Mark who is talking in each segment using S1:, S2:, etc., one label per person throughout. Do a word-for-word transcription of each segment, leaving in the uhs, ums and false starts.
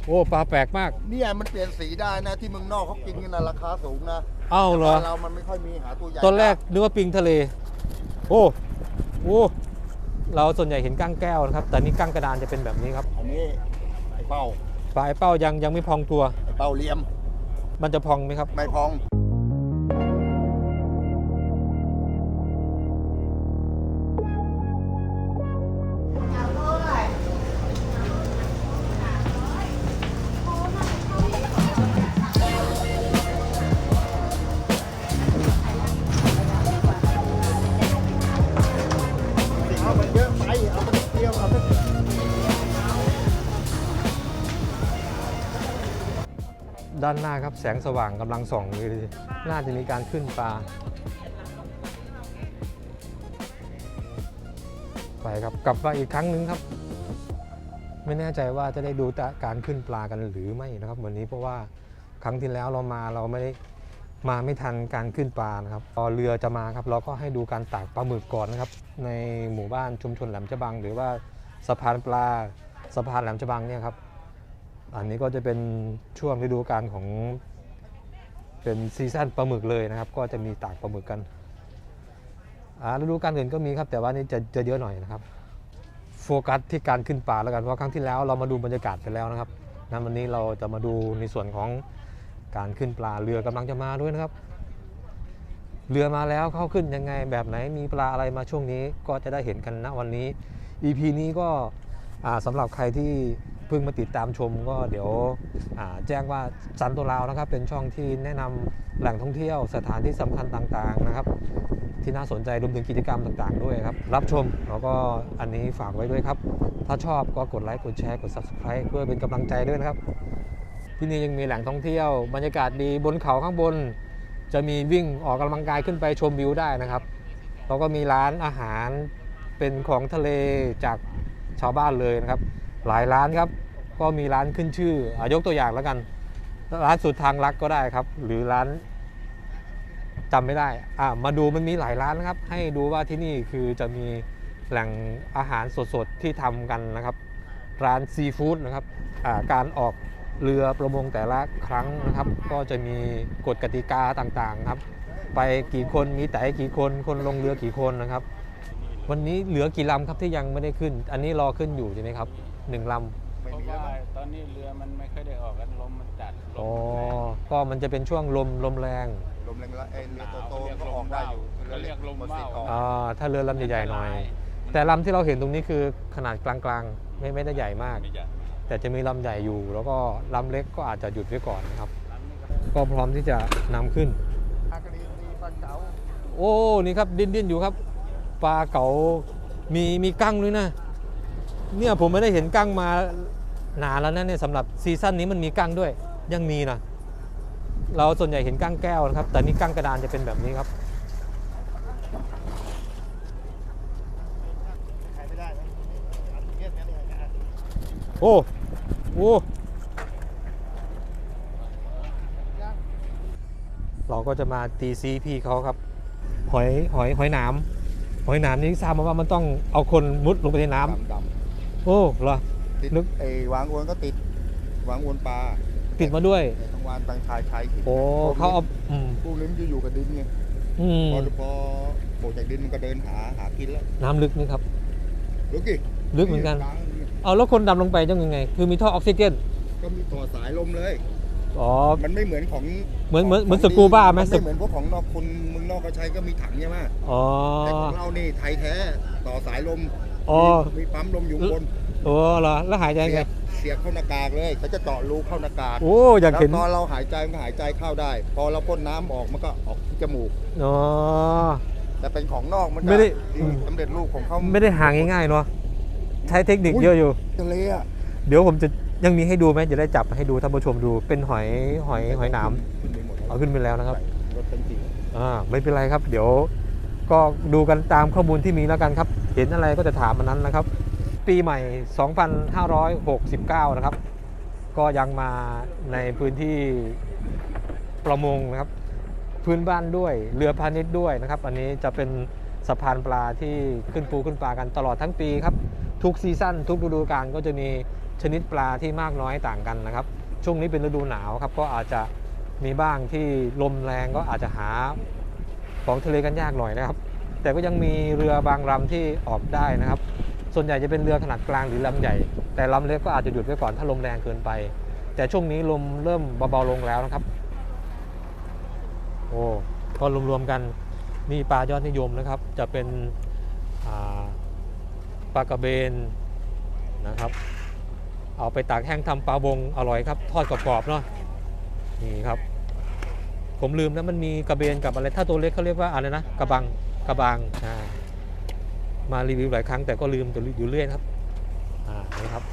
S1: โอ้ปลาแปลกมาก
S2: เนี่ยมันเปลี่ยนสีได้นะที่เมืองนอกเขากินกันนะราคาสูงนะ
S1: เอ้าเหรอ
S2: เรามันไม่ค่อยมีหาตัวใหญ่
S1: ตอนแรกนึกว่าปิงทะเลโอ้โอ้เราส่วนใหญ่เห็นกั้งแก้วนะครับแต่นี่กั้งกระดานจะเป็นแบบนี้ครับ
S2: อันนี้ไอ้เป้า
S1: ปลาไอ้เป้ายังยังไม่พองตัว
S2: ไอ้เป้าเลี่ยม
S1: มันจะพองไหมครับ
S2: ไม่พอง
S1: ด้านหน้าครับแสงสว่างกำลังส่องเลยน่าจะมีการขึ้นปลาไปครับกลับมาอีกครั้งหนึ่งครับไม่แน่ใจว่าจะได้ดูการขึ้นปลากันหรือไม่นะครับวันนี้เพราะว่าครั้งที่แล้วเรามาเราไม่ได้มาไม่ทันการขึ้นปลานะครับพอเรือจะมาครับเราก็ให้ดูการตากปลาหมึกก่อนนะครับในหมู่บ้านชุมชนแหลมฉบังหรือว่าสะพานปลาสะพานแหลมฉบังเนี่ยครับอันนี้ก็จะเป็นช่วงฤดูกาลของเป็นซีซั่นปลาหมึกเลยนะครับก็จะมีตากปลาหมึกกันอ่าฤดูกาลอื่นก็มีครับแต่ว่านี่จะจะเยอะหน่อยนะครับโฟกัสที่การขึ้นปลาแล้วกันเพราะครั้งที่แล้วเรามาดูบรรยากาศไปแล้วนะครับนั้นวันนี้เราจะมาดูในส่วนของการขึ้นปลาเรือกำลังจะมาด้วยนะครับเรือมาแล้วเข้าขึ้นยังไงแบบไหนมีปลาอะไรมาช่วงนี้ก็จะได้เห็นกันนะวันนี้ อี พี นี้ก็สำหรับใครที่เพิ่งมาติดตามชมก็เดี๋ยวแจ้งว่าซันโตราวนะครับเป็นช่องที่แนะนำแหล่งท่องเที่ยวสถานที่สำคัญต่างๆนะครับที่น่าสนใจรวมถึงกิจกรรมต่างๆด้วยครับรับชมแล้วก็อันนี้ฝากไว้ด้วยครับถ้าชอบก็กดไลค์กดแชร์กด ซับสไครบ์ เพื่อเป็นกำลังใจด้วยนะครับที่นี่ยังมีแหล่งท่องเที่ยวบรรยากาศดีบนเขาข้างบนจะมีวิ่งออกกำลังกายขึ้นไปชมวิวได้นะครับแล้วก็มีร้านอาหารเป็นของทะเลจากชาวบ้านเลยนะครับหลายร้านครับก็มีร้านขึ้นชื่อยกตัวอย่างแล้วกันร้านสุดทางรักก็ได้ครับหรือร้านจำไม่ได้อ่ามาดูมันมีหลายร้านนะครับให้ดูว่าที่นี่คือจะมีแหล่งอาหารสดๆที่ทำกันนะครับร้านซีฟู้ดนะครับอ่าการออกเรือประมงแต่ละครั้งนะครับก็จะมีกฎกติกาต่างๆครับไปกี่คนมีแต่กี่คนคนลงเรือกี่คนนะครับวันนี้เหลือกี่ลำครับที่ยังไม่ได้ขึ้นอันนี้รอขึ้นอยู่ใช่ไหมครับหนึ่งลำ
S3: เพราะว่าตอนนี้เรือมันไม่ค่อยได้ออกกันลมมันจัดลม
S1: อ๋อก็มันจะเป็นช่วงลมลมแรง
S2: ลมแรงๆไอ้เรือโตๆก็ออกได้อยู่
S3: เขาเรียกลมว่าว
S1: อ่าถ้าเรือลำใหญ่ๆหน่อยแต่ลำที่เราเห็นตรงนี้คือขนาดกลางๆไม่ไม่ได้ใหญ่มากแต่จะมีลำใหญ่อยู่แล้วก็ลำเล็กก็อาจจะหยุดไว้ก่อนนะครับก็พร้อมที่จะนำขึ้นโอ้นี่ครับดิ้นดิ้นอยู่ครับปลาเก๋ามีมีกั้งด้วยนะเนี่ยผมไม่ได้เห็นกั้งมานานแล้วนะเนี่ยสำหรับซีซั่นนี้มันมีกั้งด้วยยังมีนะเราส่วนใหญ่เห็นกั้งแก้วนะครับแต่นี่กั้งกระดานจะเป็นแบบนี้ครับโอ้โอ้เราก็จะมาตีซีพี่เขาครับหอยหอยหอยหนามหอยหนามนี่ทราบมาว่ามันต้องเอาคนมุดลงไปในน้ำโอ้เหรอ
S2: นึกไอ้วางอวนก็ติดวางอวนปลา
S1: ติดมาด้วย
S2: ทั้งวานบางชายชาย
S1: โอ้เขาเอา
S2: พวกนี้มันจะอยู่กับดินไงพอพอโผล่จากดินมันก็เดินหาหากินแล้ว
S1: น้ำลึกนี่ครับ
S2: ลึกกี่
S1: ลึกเหมือนกันเอาแล้วคนดำลงไปยังไงคือมีท่อออกซิเจน
S2: ก็มีต่อสายลมเลย
S1: อ๋อ
S2: มันไม่เหมือนของ
S1: เหมือนเหมือนเหมือนสกูบ้าไหม
S2: ไม่เหมือนพวกของนอกคนเมืองนอกเขาใช้ก็มีถังใช่ไหม
S1: อ๋อ
S2: แต่ของเรานี่ไทยแท้ต่อสายลม
S1: อ๋อ
S2: มีปั๊มลมอยู่บน
S1: โอ้เหรอแล้วหายใจไง
S2: เสียบเข้าหน้ากากเลยเขาจะเจาะรูเข้าหน้ากาก
S1: โอ้อยากเห็น
S2: ตอนเราหายใจมันก็หายใจเข้าได้พอเราพ่นน้ำออกมันก็ออกที่จมูก
S1: อ๋อ
S2: แต่เป็นของนอกมัน
S1: ไม่ได้
S2: สำเร็จรูปของเขา
S1: ไม่ได้หาง่ายๆเนาะใช้เทคนิคเยอะอยู่
S2: ทะเลอ่ะ
S1: เดี๋ยวผมจะยังมีให้ดูไหมจะได้จับให้ดูท่านผู้ชมดูเป็นหอยหอยหอยหนามเอาขึ้นไปแล้วนะครับอ่าไม่เป็นไรครับเดี๋ยวก็ดูกันตามข้อมูลที่มีแล้วกันครับเห็นอะไรก็จะถามมันนั้นนะครับปีใหม่สองพันห้าร้อยหกสิบเก้านะครับก็ยังมาในพื้นที่ประมงนะครับพื้นบ้านด้วยเรือพาณิชย์ด้วยนะครับอันนี้จะเป็นสะพานปลาที่ขึ้นปูขึ้นปลากันตลอดทั้งปีครับทุกซีซั่นทุกฤดูกาลก็จะมีชนิดปลาที่มากน้อยต่างกันนะครับช่วงนี้เป็นฤดูหนาวครับก็อาจจะมีบ้างที่ลมแรงก็อาจจะหาของทะเลกันยากหน่อยนะครับแต่ก็ยังมีเรือบางลำที่ออกได้นะครับส่วนใหญ่จะเป็นเรือขนาดกลางหรือลำใหญ่แต่ลำเล็กก็อาจจะหยุดไว้ก่อนถ้าลมแรงเกินไปแต่ช่วงนี้ลมเริ่มเบาๆลงแล้วนะครับโอ้ก็รวมๆกันนี่ปลายอดนิยมนะครับจะเป็นปลากระเบนนะครับเอาไปตากแห้งทำปลาบงอร่อยครับทอดกรอบๆเนาะนี่ครับผมลืมนะมันมีกระเบนกับอะไรถ้าตัวเล็กเขาเรียกว่าอะไรนะกระบังกระบังมารีวิวหลายครั้งแต่ก็ลืมอยู่เรื่อยครับอ่านี่ครับ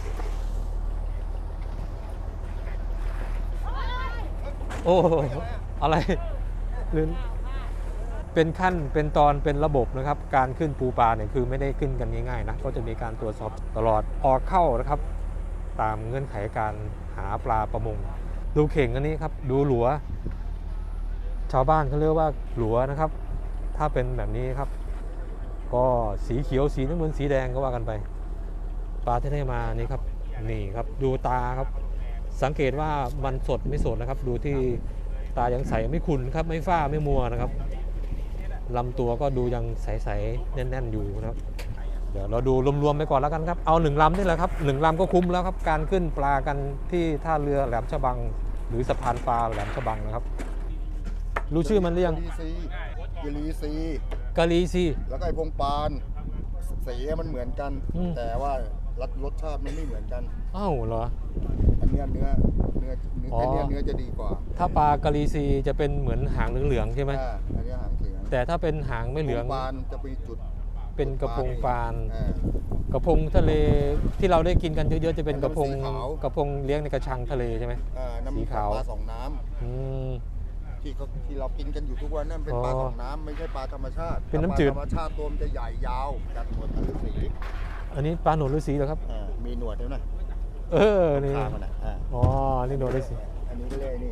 S1: โอ้อะไรลืมเป็นขั้นเป็นตอนเป็นระบบนะครับการขึ้นปูปลาเนี่ยคือไม่ได้ขึ้นกันง่ายๆนะก็จะมีการตรวจสอบตลอดออกเข้านะครับตามเงื่อนไขการหาปลาประมงดูเข่งอันนี้ครับดูหลัวชาวบ้านเขาเรียกว่าหลัวนะครับถ้าเป็นแบบนี้ครับก็สีเขียวสีน้ำเงินสีแดงก็ว่ากันไปปลาที่ได้มานี่ครับนี่ครับดูตาครับสังเกตว่ามันสดไม่สดนะครับดูที่ตายังใสไม่ขุ่นครับไม่ฝ้าไม่มัวนะครับลำตัวก็ดูยังใสๆแน่นๆอยู่นะครับเดี๋ยวเราดูรวมๆไปก่อนแล้วกันครับเอาหนึ่งลำนี่แหละครับหนึ่งลำก็คุ้มแล้วครับการขึ้นปลากันที่ท่าเรือแหลมฉบังหรือสะพานปลาแหลมฉบังนะครับรู้ชื่อมันหรือยัง
S2: กะลีซี
S1: กะลีซี
S2: แล้วก็ไอพงปานสีมันเหมือนกัน แต่ว่ารสชาติมันไม่เหมือนกัน
S1: อ้าวเหรอ
S2: อันนี้เนื้อเนื้อเนื้ออันนี้เนื้อจะดีกว่า
S1: ถ้าปลากะลีซีจะเป็นเหมือนหางเหลืองๆใช่ไหม
S2: อันนี้หางเหลือง
S1: แต่ถ้าเป็นหางไม่เหลือง
S2: ปานจะเป็นจุด
S1: เป็นกระพงปานกระพงทะเลที่เราได้กินกันเยอะๆจะเป็นกระพงกระพงเลี้ยงในกระชังทะเลใช่ไหม
S2: สีขาวปลาสองน้ำที่เขาที่เรากินกันอยู่ทุกวันนั่นเป็นปลาสองน้ำไม่ใช่ปลาธรรมชาติ
S1: เป็นน้ำจืด
S2: ธรรมชาติตัวมันจะใหญ่ยาวจัดหนวดฤาษี
S1: อันนี้ปลาหนวดฤาษีเหรอครับ
S2: มีหนวดด้วยนะ
S1: เออนี่อ๋อนี่หนวดฤาษี
S2: อันนี้ก็เรียกนี่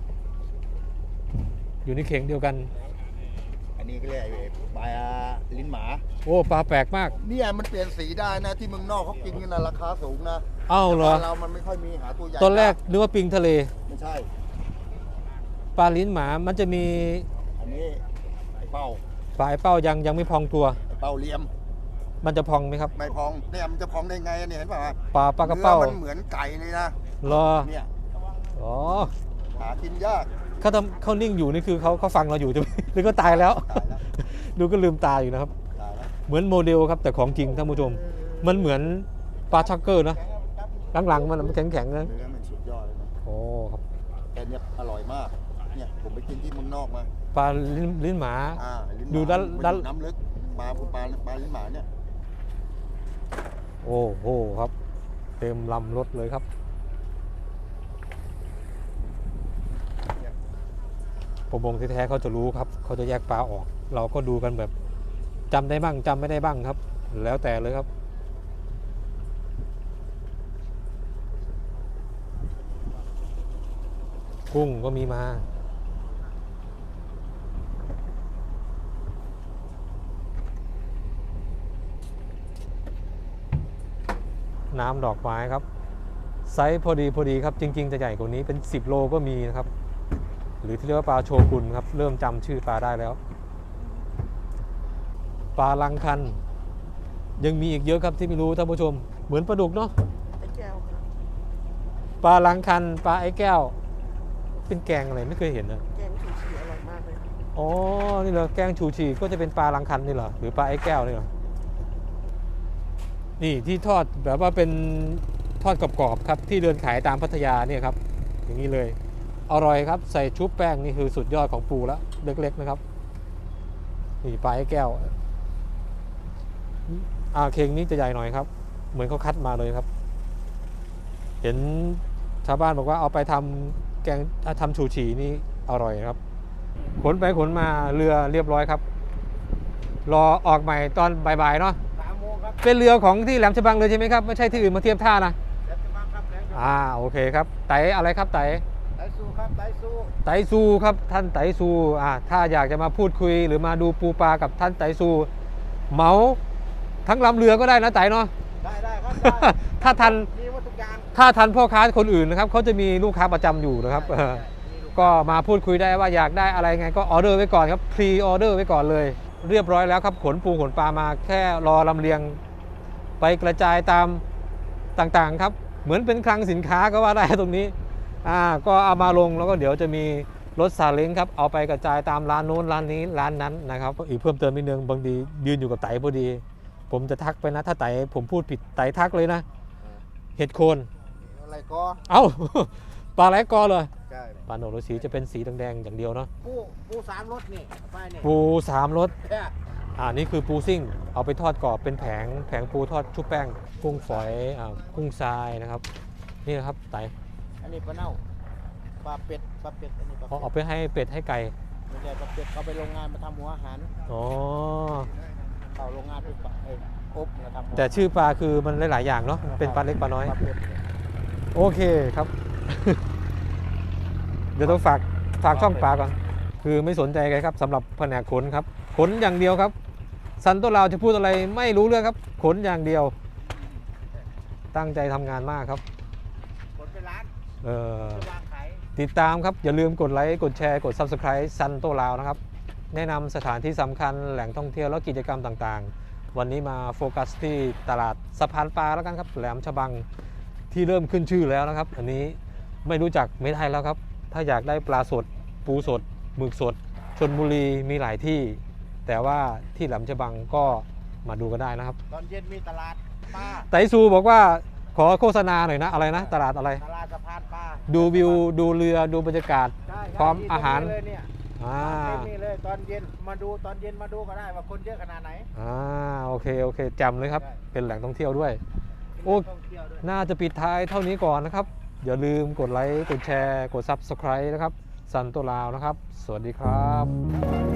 S1: อยู่ในเข่งเดียวกัน
S2: อันนี้ก็เรียกปลาลิ้นหมา
S1: โอ้ปลาแปลกมาก
S2: เนี่ยมันเปลี่ยนสีได้นะที่เมืองนอกเขากินกันนะราคาสูงนะ
S1: อ้าวเหรอ
S2: เรามันไม่ค่อยมีหาตัวใหญ่
S1: ตอนแรกนึกว่าปิงทะเล
S2: ไม่ใช่
S1: ปลาลิ้นหมามันจะมี
S2: อันนี้ไอเป้า
S1: ปลาไอเป้ายังยังไม่พองตัว
S2: ไอเป้าเลี้ยม
S1: มันจะพองไหมครับ
S2: ไม่พองเนี่ยมันจะพองได้ไงเนี่ยเห็นป่ะ
S1: ปลาปลากระเป้า
S2: มันเหมือนไก่เลยนะ
S1: รอ
S2: เนี่ย
S1: อ๋อ
S2: หากินยาก
S1: เขาทำเขานิ่งอยู่นี่คือเขาเขาฟังเราอยู่จะหรือก็ตายแล้วดูก็ลืมตาอยู่นะครับเหมือนโมเดลครับแต่ของจริงท่านผู้ชมมันเหมือนปลาชักเกอร์นะหลังๆมันมันแข็งๆนะ
S2: เนื้อมันสุดยอดเลยนะ
S1: โอ้ครับ
S2: แต่เนี่ยอร่อยมากเนี่ยผมไปกินที่เมืองนอกมา
S1: ปลาลิ้นลิ้นหมาดูด้าน
S2: ด้านน้ำลึกปลาปลาปลาลิ้นหมาเนี่ย
S1: โอ้โหครับเต็มลำรถเลยครับประมงแท้ๆเขาจะรู้ครับเขาจะแยกปลาออกเราก็ดูกันแบบจำได้บ้างจำไม่ได้บ้างครับแล้วแต่เลยครับกุ้งก็มีมาน้ำดอกไม้ครับไซส์พอดีพอดีครับจริงๆจะใหญ่กว่านี้เป็นสิบโลก็มีนะครับหรือที่เรียกว่าปลาโชกุนครับเริ่มจำชื่อปลาได้แล้วปลาลังคันยังมีอีกเยอะครับที่ไม่รู้ท่านผู้ชมเหมือนปลาดุกเนาะ
S4: ไอ้แก้วครับ
S1: ปลาลังคันปลาไอ้แก้วเป็นแกงอะไรไม่เคยเห็นนะ
S4: แกงชูชีอร่อยมากเลย
S1: อ๋อนี่เหรอแกงชูชีก็จะเป็นปลาลังคันนี่เหรอหรือปลาไอ้แก้วนี่เหรอนี่ที่ทอดแบบว่าเป็นทอดกรอบๆครับที่เดินขายตามพัทยาเนี่ยครับอย่างนี้เลยอร่อยครับใส่ชุบแป้งนี่คือสุดยอดของปูแล้วเล็กๆนะครับนี่ปลาไอ้แก้วอ่าเข่งนี้จะใหญ่หน่อยครับเหมือนเขาคัดมาเลยครับเห็นชาวบ้านบอกว่าเอาไปทำแกงทำชูชีนี่อร่อยครับขนไปขนมาเรือเรียบร้อยครับรอออกใหม่ตอนบ่ายๆเนาะเป็นเรือของที่แหลมฉบังเลยใช่ไหมครับไม่ใช่ที่อื่นมาเทียบท่านะแหลมฉบังครับอ่าโอเคครับไตอะไรครับไต
S2: ไตซูครับไตซู
S1: ไตซูครับท่านไตซูอ่าถ้าอยากจะมาพูดคุยหรือมาดูปูปลากับท่านไตซูเหมาทั้งลำเรือก็ได้นะไตเนาะ
S2: ได้ได้ครับได้
S1: ถ้าทัน
S2: มีหมดทุกอย่าง
S1: ถ้าทันพ่อค้าคนอื่นนะครับเขาจะมีลูกค้าประจำอยู่นะครับเออก็มาพูดคุยได้ว่าอยากได้อะไรไงก็ออเดอร์ไว้ก่อนครับพรีออเดอร์ไว้ก่อนเลย เรียบร้อยแล้วครับขนปูขนปลามาแค่รอลำเลียงไปกระจายตามต่างๆครับเหมือนเป็นคลังสินค้าก็ว่าได้ตรงนี้อ่าก็เอามาลงแล้วก็เดี๋ยวจะมีรถซาเล้งครับเอาไปกระจายตามร้านโน้นร้านนี้ร้านนั้นนะครับอีกเพิ่มเติมนิดนึงบางทียืนอยู่กับไต่พอดี ผมจะทักไปนะถ้าไต่ผมพูดผิดไต่ทักเลยนะเห็ดโคน
S2: อะไรก็
S1: เอ้า ปลาไหลกอเลย
S2: ใช่
S1: ปลาโหนดสีจะเป็นสีแดงๆอย่างเดียวเนาะ
S2: ปูปูสามรสนี่ไปนี่
S1: ปูสามรส
S2: เนี่ย
S1: อ่านี่คือปูซิ่งเอาไปทอดกรอบเป็นแผงแผงปูทอดชุบแป้งกุ้งฝอยอ่ากุ้งทรายนะครับนี่นะครับไต่
S2: อันนี้ปลาเน่าปลาเป็ดปลาเป็ดอันนี้ปลา
S1: เขา
S2: เป็ด
S1: เอาไปให้เป็ดให้ไก่
S2: ไม่ใช่ปลาเป็ดเขาไปโรงงานมาทำหัวอาหาร
S1: อ๋อ
S2: เข้าโรงงานไปปลาเอ้ยอบมาทำหัว
S1: แต่ชื่อปลาคือมันหลายๆอย่างเนาะเป็นปลาเล็กปลาน้อย
S2: ปลาเป็ด
S1: โอเคครับ เดี๋ยวต้องฝากฝากช่องปลาก่อน คือไม่สนใจกันครับสำหรับแผนกขนครับ ขนอย่างเดียวครับซันโตลาวจะพูดอะไรไม่รู้เรื่องครับ ขนอย่างเดียว ตั้งใจทำงานมากครับ
S2: ขนไปร้าน
S1: เออ
S2: จะวางขาย
S1: ติดตามครับ อย่าลืมกดไลค์ กดแชร์ กด Subscribe ซันโตลาวนะครับ แนะนำสถานที่สำคัญแหล่งท่องเที่ยวและกิจกรรมต่างๆ วันนี้มาโฟกัสที่ตลาดสะพานปลาแล้วกันครับแหลมฉบังที่เริ่มขึ้นชื่อแล้วนะครับ อันนี้ไม่รู้จักไม่ได้แล้วครับ ถ้าอยากได้ปลาสด ปูสดหมึกสดชลบุรีมีหลายที่ แต่ว่าที่แหลมฉบังก็มาดูกันได้นะครับ
S2: ตอนเย็นมีตลาดปลา
S1: ไตซูบอกว่าขอโฆษณาหน่อยนะอะไรนะตลาดอะไร
S2: ตลาดสะพานปลา
S1: ดูวิวดูเรือดูบรรยากาศ
S2: ใช่ใช่
S1: พร้อม
S2: ที่
S1: อาหาร
S2: ตงนี้เลยเนี่ย
S1: อ่า
S2: เต็มนี่เลยตอนเย็นมาดูตอนเย็นมาดูก็ได้ว่าคนเยอะขนาดไหน
S1: อ่าโอเคโอเคจำเลยครับ
S2: ได้
S1: เป็นแหล่งท่องเที่ยวด้วย โอ้
S2: ท่องเที่ยวด้วย
S1: น่าจะปิดท้ายเท่านี้ก่อนนะครับ อย่าลืมกดไลค์ กดแชร์ กด Subscribe นะครับซันโตลาวนะครับ สวัสดีครับ